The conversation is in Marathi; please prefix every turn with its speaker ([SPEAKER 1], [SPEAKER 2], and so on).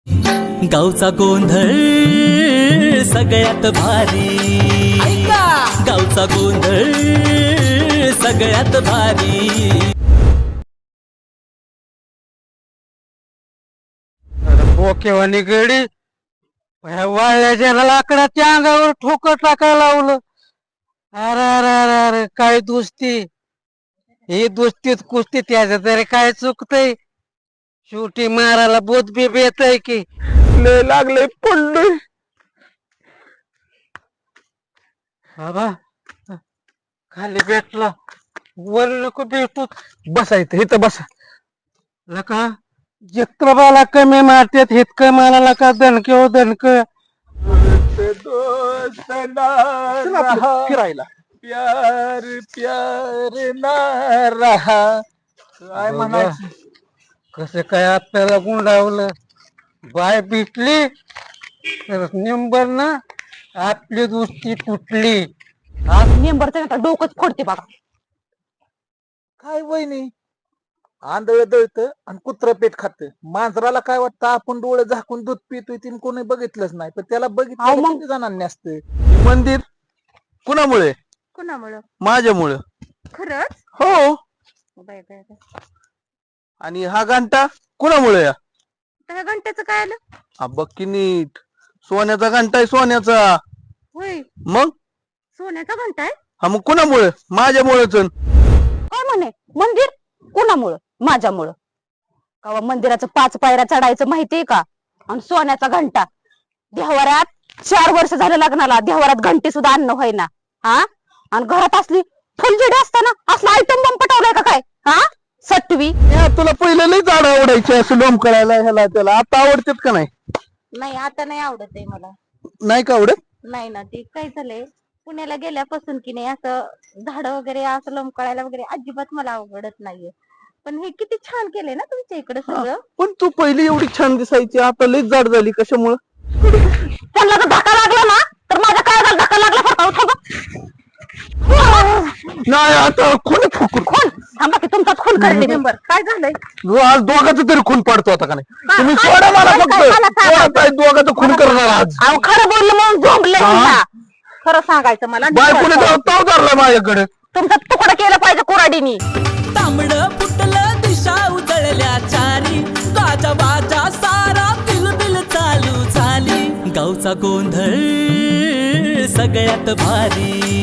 [SPEAKER 1] गावचा गोंधळ सगळ्यात भारी, गावचा गोंधळ सगळ्यात भारी.
[SPEAKER 2] बोकेवानी गडी वाळल्याच्या लाकडाच्या अंगावर ठोकर टाकायला लावलं. अरे अरे अरे अरे काय दोस्ती, ही दोस्तीत कुस्ती, त्याच तरी काय चुकतय. शेवटी मारायला बोध बी बेत आहे की लय लागले पडलोय. बाबा खाली भेटला, वर नको भेटू, बसायचं इथं बसा. लका जत्रबाला कमी मारतात, हितकं मारायला का दणके हो दणक. फिरायला प्यार प्यार ना रहा, काय म्हणायचं. कसं काय आपल्याला गुंडावलं, बाय भेटली तर निंबर ना आपली दोस्ती तुटली.
[SPEAKER 3] आज मेंबरचं आता डोकंच फोडते बघा.
[SPEAKER 4] काय वहिनी, आंधळ दळत आणि कुत्र पेट खात. मांजराला काय वाटतं आपण डोळे झाकून दूध पितोय, तिने कोणी बघितलंच नाही, पण त्याला बघितलं
[SPEAKER 3] मग?
[SPEAKER 4] किती जणांनी असतं. मंदिर कुणामुळे?
[SPEAKER 3] कुणामुळं?
[SPEAKER 4] माझ्यामुळं.
[SPEAKER 3] खरंच?
[SPEAKER 4] हो.
[SPEAKER 3] Bye bye bye.
[SPEAKER 4] आणि हा घंटा कुणामुळे?
[SPEAKER 3] त्या घंट्याचं काय आलं?
[SPEAKER 4] हा बघ की नीट, सोन्याचा घंटा आहे, सोन्याचा.
[SPEAKER 3] होय,
[SPEAKER 4] मग
[SPEAKER 3] सोन्याचा घंटा आहे.
[SPEAKER 4] हा मग कुणामुळे? माझ्यामुळेच.
[SPEAKER 3] काय म्हणे मंदिर कुणामुळं? माझ्यामुळं. का मंदिराचं 5 पायऱ्या चढायचं माहितीये का? आणि सोन्याचा घंटा देव्हाऱ्यात 4 वर्ष झालं लग्नाला, देव्हाऱ्यात घंटी सुद्धा आणणं होईना. हा, आणि घरात असली फुलझडी असताना असला आयटम बॉम्ब पटवलाय का काय? हा, सटवी.
[SPEAKER 4] तुला पहिलं लई झाड आवडायचे असं लोम करायला ह्याला त्याला, आता आवडतात का नाही?
[SPEAKER 3] नाही आता नाही आवडत आहे मला.
[SPEAKER 4] नाही का आवडत?
[SPEAKER 3] नाही ना, ते काय झालंय, पुण्याला गेल्यापासून की नाही असं झाड वगैरे असं लोंबकळायला वगैरे अजिबात मला आवडत नाहीये. पण हे किती छान केलंय ना तुमच्या इकडे सगळं.
[SPEAKER 4] पण तू पहिली एवढी छान दिसायची, आता लईच जाड झाली. कशामुळं?
[SPEAKER 3] त्यांना जर धक्का लागला ना तर माझ्या काय धक्का लागला
[SPEAKER 4] नाही आता खून फुकूर.
[SPEAKER 3] खून थांबा की तुमचाच खून करते मेंबर. काय झालंय?
[SPEAKER 4] आज दोघांचं तरी खून पाडतो आता का नाही? तुम्ही सोडा मला फक्त. दोघांचं खून करणार आज.
[SPEAKER 3] अहो खरं बोललं म्हणून झोंबले. खरं सांगायचं मला.
[SPEAKER 4] बायकोने ताव धरला माझ्याकडे.
[SPEAKER 3] तुमचा तुकडा केलं पाहिजे कुऱ्हाडीनी.
[SPEAKER 1] तांबड फुटलं दिशा उजळल्या चारी, गाजा बाजा सारा बिलबिल चालू झाली. गावचा गोंधळ सगळ्यात भारी.